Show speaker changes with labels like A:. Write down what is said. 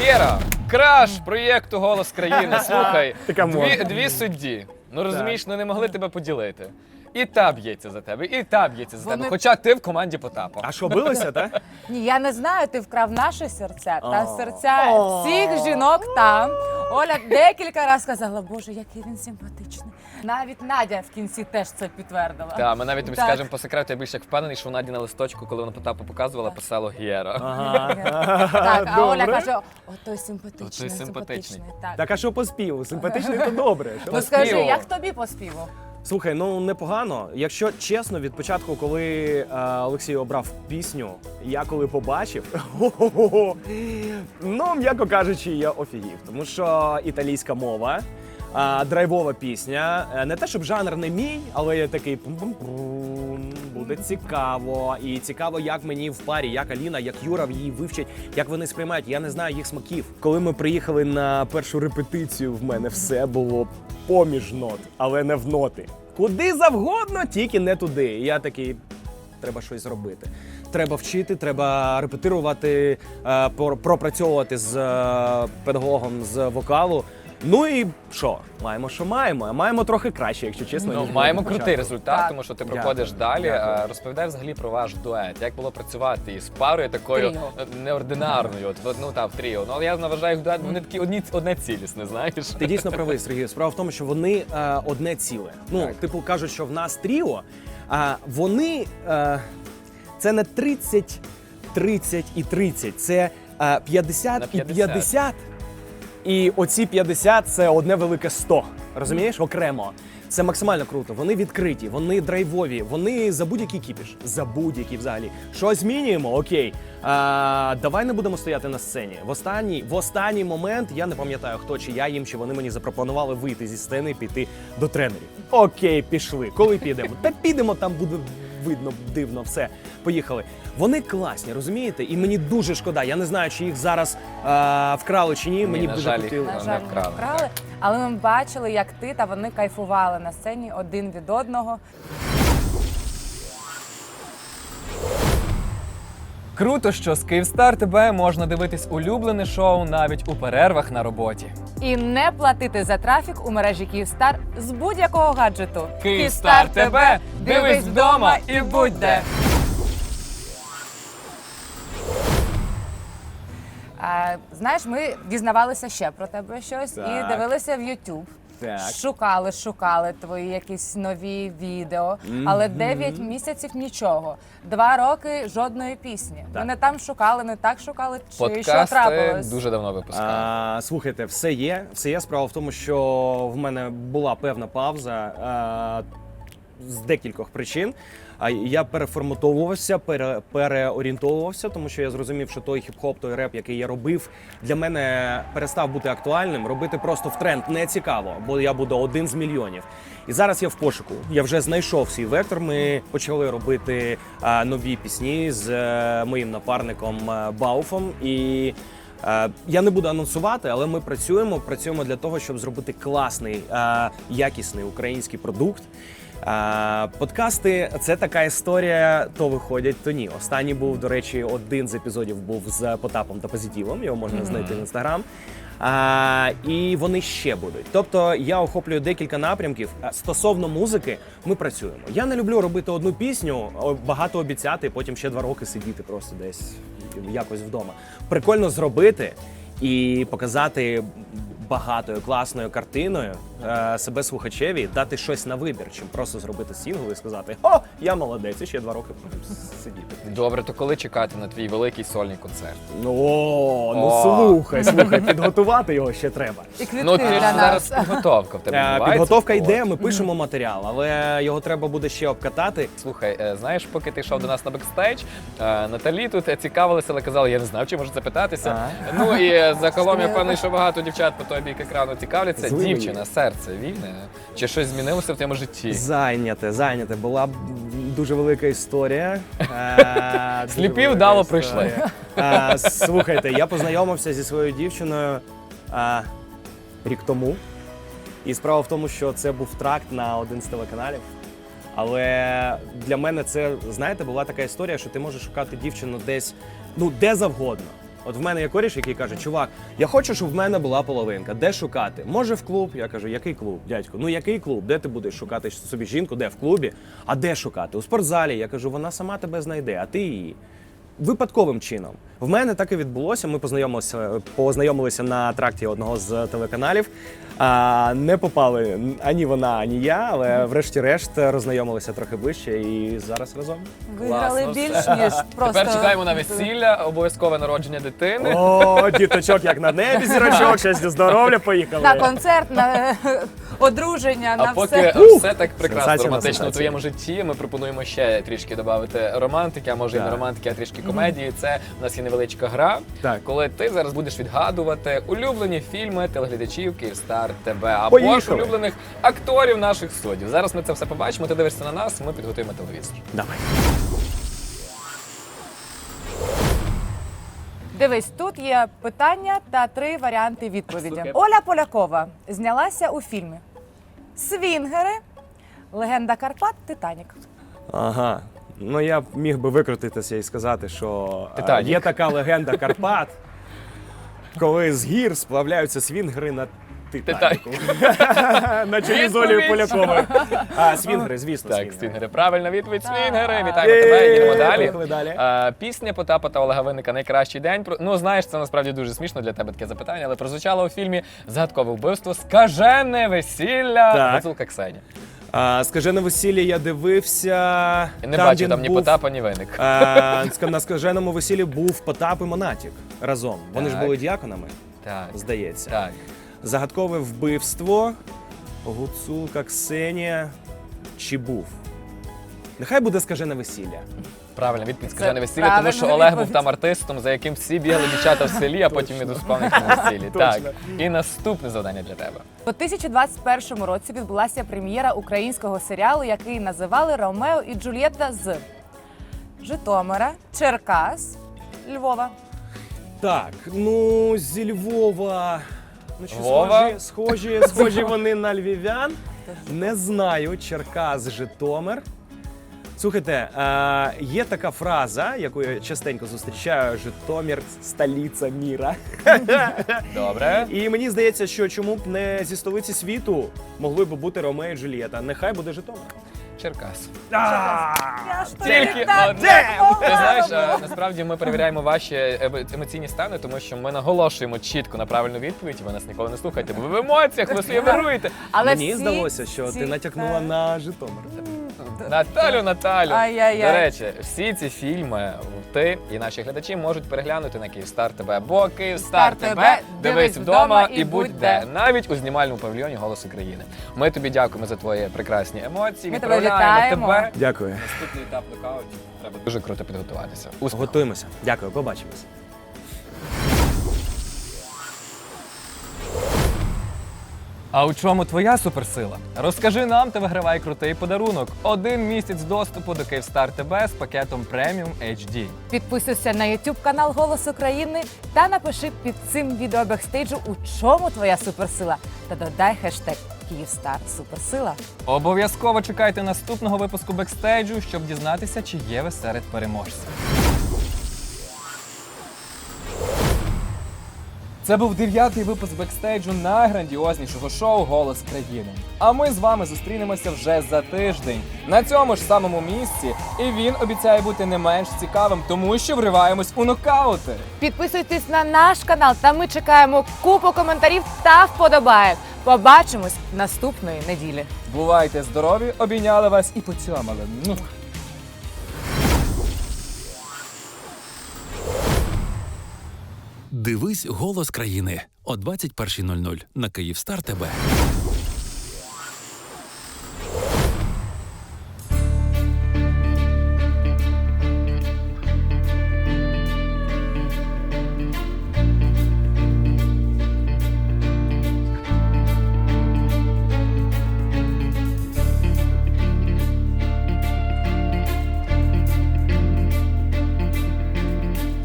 A: Гера, краш проєкту «Голос країни». Слухай,
B: Така модна.
A: дві судді. Ну розумієш, ну не могли тебе поділити. І та б'ється за тебе, і та б'ється за тебе. Хоча ти в команді Потапа.
B: А що, билися, так?
C: Ні, я не знаю, ти вкрав наші серця та серця всіх жінок там. Оля декілька разів сказала, боже, який він симпатичний. Навіть Надя в кінці теж це підтвердила.
A: Так, ми навіть тобі
C: Так.
A: скажемо по секрету, я більш як впевнений, що в Наді на листочку, коли вона Потапу показувала, писало Гера.
C: Так, а Оля
B: Добре.
C: каже, той симпатичний,
A: Отой симпатичний.
C: Так.
B: Так, а що по співу? Симпатичний то добре. Що?
C: Ну скажи,
A: співу.
C: як тобі по співу?
B: Слухай, ну непогано. Якщо чесно, від початку, коли Олексій обрав пісню, я коли побачив, ну, м'яко кажучи, я офігів. Тому що італійська мова, драйвова пісня, не те, щоб жанр не мій, але я такий пум-пум-пум, буде цікаво. І цікаво, як мені в парі, як Аліна, як Юра її вивчать, як вони сприймають. Я не знаю їх смаків. Коли ми приїхали на першу репетицію, в мене все було поміж нот, але не в ноти. Куди завгодно, тільки не туди. І я такий, треба щось зробити. Треба вчити, треба репетирувати, пропрацьовувати з педагогом з вокалу. Ну і що? Маємо, що маємо. А маємо трохи краще, якщо чесно.
A: Ну,
B: ніж
A: маємо
B: на
A: крутий
B: початку.
A: результат,
C: Так.
A: тому що ти
B: Дякую,
A: проходиш далі.
B: дякую.
A: Розповідай взагалі про ваш дует. Як було працювати із парою такою
C: Тріо.
A: неординарною, в тріо. Ну, але я вважаю їх дует, вони такі одне цілісне, знаєш.
B: Ти дійсно правий, Сергій. Справа в тому, що вони одне ціле. Ну,
A: Так.
B: типу кажуть, що в нас тріо, а вони це не 30, 30 і 30, це 50
A: На
B: і
A: 50.
B: 50. І оці 50 – це одне велике 100. Розумієш? Окремо. Це максимально круто. Вони відкриті, вони драйвові, вони за будь-який кіпіш. За будь-який взагалі. Що змінюємо? Окей. Давай не будемо стояти на сцені. В останній момент, я не пам'ятаю, хто чи я їм, чи вони мені запропонували вийти зі сцени і піти до тренерів. Окей, пішли. Коли підемо? Та підемо, там буде видно, дивно, все. Поїхали. Вони класні, розумієте? І мені дуже шкода. Я не знаю, чи їх зараз вкрали чи ні. Мені б
A: на
B: дуже
A: жаль, їх
B: хотілося.
C: На
A: не
C: жаль,
A: вкрали,
C: не вкрали. Але ми бачили, як ти та вони кайфували на сцені один від одного.
D: Круто, що з Київстар ТБ можна дивитись улюблене шоу навіть у перервах на роботі.
C: І не платити за трафік у мережі Київстар з будь-якого гаджету.
D: Київстар ТБ! Дивись вдома і будь де!
C: Знаєш, ми дізнавалися ще про тебе щось
B: Так.
C: і дивилися в YouTube.
B: Так.
C: Шукали твої якісь нові відео, але 9 місяців нічого. 2 роки жодної пісні.
B: Так.
C: Ми не там шукали, не так шукали, чи що
A: Подкасти
C: трапилось?
A: дуже давно випускали.
B: Слухайте, все є. Все є. Справа в тому, що в мене була певна пауза з декількох причин. Я переформатовувався, переорієнтовувався, тому що я зрозумів, що той хіп-хоп, той реп, який я робив, для мене перестав бути актуальним. Робити просто в тренд не цікаво, бо я буду один з мільйонів. І зараз я в пошуку. Я вже знайшов свій вектор. Ми почали робити нові пісні з моїм напарником Бауфом. І я не буду анонсувати, але ми працюємо для того, щоб зробити класний, якісний український продукт. Подкасти – це така історія, то виходять, то ні. Останній був, до речі, один з епізодів був з Потапом та Позитивом, його можна знайти в Інстаграм. І вони ще будуть. Тобто я охоплюю декілька напрямків. Стосовно музики, ми працюємо. Я не люблю робити одну пісню, багато обіцяти, потім ще 2 роки сидіти просто десь якось вдома. Прикольно зробити і показати багатою, класною картиною себе слухачеві, дати щось на вибір, чим просто зробити сингл і сказати: «О, я молодець, і ще 2 роки буду сидіти».
A: Добре, то коли чекати на твій великий сольний концерт?
B: Слухай, підготувати його ще треба.
C: І квітки
A: Ну, ти ж
C: для
A: зараз
C: нас.
A: підготовка в тебе відбувається.
B: Підготовка
A: От.
B: йде, ми пишемо матеріал, але його треба буде ще обкатати.
A: Слухай, знаєш, поки ти йшов до нас на бекстейдж, Наталі тут цікавилася, але казала, я не знав, чи можу запитатися. Ну і загалом я певний, що багато дівчат по той бік екрану цікавляться.
B: Злий.
A: Дівчина, серце вільне? Чи щось змінилося в твоєму житті?
B: Зайняте. Була дуже велика історія.
A: Сліпі вдало прийшли.
B: Слухайте, я познайомився зі своєю дівчиною рік тому. І справа в тому, що це був тракт на один з телеканалів. Але для мене це, знаєте, була така історія, що ти можеш шукати дівчину десь, де завгодно. От в мене є коріш, який каже, чувак, я хочу, щоб в мене була половинка. Де шукати? Може в клуб? Я кажу, який клуб, дядько? Ну який клуб? Де ти будеш шукати собі жінку? Де? В клубі? А де шукати? У спортзалі. Я кажу, вона сама тебе знайде, а ти її. Випадковим чином. В мене так і відбулося. Ми познайомилися на тракті одного з телеканалів. Не попали ані вона, ані я, але врешті-решт роззнайомилися трохи ближче і зараз разом.
C: Виграли
A: Класно,
C: більш,
A: все.
C: ніж просто...
A: Тепер чекаємо на весілля, обов'язкове народження дитини.
B: О, діточок, як на небі, зірочок, щастя, здоров'я, поїхали.
C: На концерт, на одруження,
A: А
C: на
A: поки
C: все.
A: все так прекрасно
B: Сенсація на
A: романтично у
B: сенсації.
A: твоєму житті, ми пропонуємо ще трішки додати романтики, а може і не
B: Так.
A: романтики, а трішки комедії. Це у нас є невеличка гра,
B: Так.
A: коли ти зараз будеш відгадувати улюблені фільми телеглядачів Київстар ТБ або ж
B: Поїхали.
A: улюблених акторів наших суддів. Зараз ми це все побачимо. Ти дивишся на нас, ми підготуємо телевізор.
B: Давай.
C: Дивись, тут є питання та 3 варіанти відповіді.
A: Супер.
C: Оля Полякова знялася у фільмі «Свінгери», «Легенда Карпат», «Титанік».
B: Ага. Ну я б міг би викрутитися і сказати, що
A: Титанік.
B: є така легенда Карпат, коли з гір сплавляються свінгери на Титаніку. На чолі з Олею Поляковою. Свінгери, звісно,
A: Так, свінгери. Правильна відповідь. Свінгери.
B: Є.
A: Вітаємо тебе. Їдемо далі.
B: Поїхали далі.
A: Пісня Потапа та Олега Винника «Найкращий день». Ну, знаєш, це насправді дуже смішно для тебе таке запитання, але прозвучало у фільмі «Загадкове вбивство. Скажене весілля».
B: Так.
A: Гуцулка Ксеня.
B: Скажене весілля я дивився.
A: Я не бачу
B: він
A: там ні
B: був,
A: Потапа, ні Винник.
B: На скаженому весіллі був Потап і Монатік разом. Вони ж
A: Так.
B: були діаконами,
A: Так.
B: здається.
A: Так.
B: Загадкове вбивство. Гуцулка Ксенія. Чи був? Нехай буде скажене весілля.
A: Правильна відповідь «Скажене весілля», тому
C: правильна
A: що Олег був
C: відповідь.
A: там артистом, за яким всі бігали дівчата в селі, а потім він успав на якомусь весіллі. Так.
B: Точно.
A: І наступне завдання для тебе.
C: У 2021 році відбулася прем'єра українського серіалу, який називали «Ромео і Джульєтта» з Житомира, Черкас, Львова.
B: Так, ну зі Львова. Ну, чи
A: Львова?
B: схожі вони на львів'ян. Не знаю, Черкас, Житомир. Слухайте, є така фраза, яку я частенько зустрічаю: Житомир – столиця міра.
A: Добре.
B: І мені здається, що чому б не зі столиці світу могли б бути Ромео і Джульєтта. Нехай буде Житомир.
A: Черкас.
C: Я ж
A: Тільки
C: тобі так
A: одне.
C: допомогла.
A: Ти знаєш, насправді ми перевіряємо ваші емоційні стани, тому що ми наголошуємо чітко на правильну відповідь, і ви нас ніколи не слухаєте, бо ви в емоціях, ви собі вируєте.
C: Але
B: Мені
C: всі
B: здалося, що
C: ці-
B: ти натякнула на Житомир.
A: Наталю.
C: Ай-яй-яй.
A: До речі, всі ці фільми ти і наші глядачі можуть переглянути на Київстар ТБ, бо Київстар
C: Стар
A: ТБ
C: ТБ,
A: дивись вдома і будь де, навіть у знімальному павільйоні «Голос України». Ми тобі дякуємо за твої прекрасні емоції.
C: Ми тебе
A: Відправляємо
C: вітаємо.
A: тебе.
B: Дякую.
A: Наступний етап нокаутів. Треба дуже круто підготуватися. Успіху.
B: Готуємося. Дякую, побачимось.
D: А у чому твоя суперсила? Розкажи нам та вигравай крутий подарунок. 1 місяць доступу до Київстар ТБ з пакетом Premium HD.
C: Підписуйся на YouTube канал «Голос України» та напиши під цим відео бекстейджу, у чому твоя суперсила. Та додай хештег «Київстар Суперсила».
D: Обов'язково чекайте наступного випуску бекстейджу, щоб дізнатися, чи є ви серед переможців. Це був 9-й випуск бекстейджу найграндіознішого шоу «Голос країни». А ми з вами зустрінемося вже за тиждень на цьому ж самому місці. І він обіцяє бути не менш цікавим, тому що вриваємось у нокаути.
C: Підписуйтесь на наш канал, та ми чекаємо купу коментарів та вподобаєк. Побачимось наступної неділі.
D: Бувайте здорові, обійняли вас і поцьомали.
E: Дивись «Голос країни» о 21:00 на Київстар ТБ.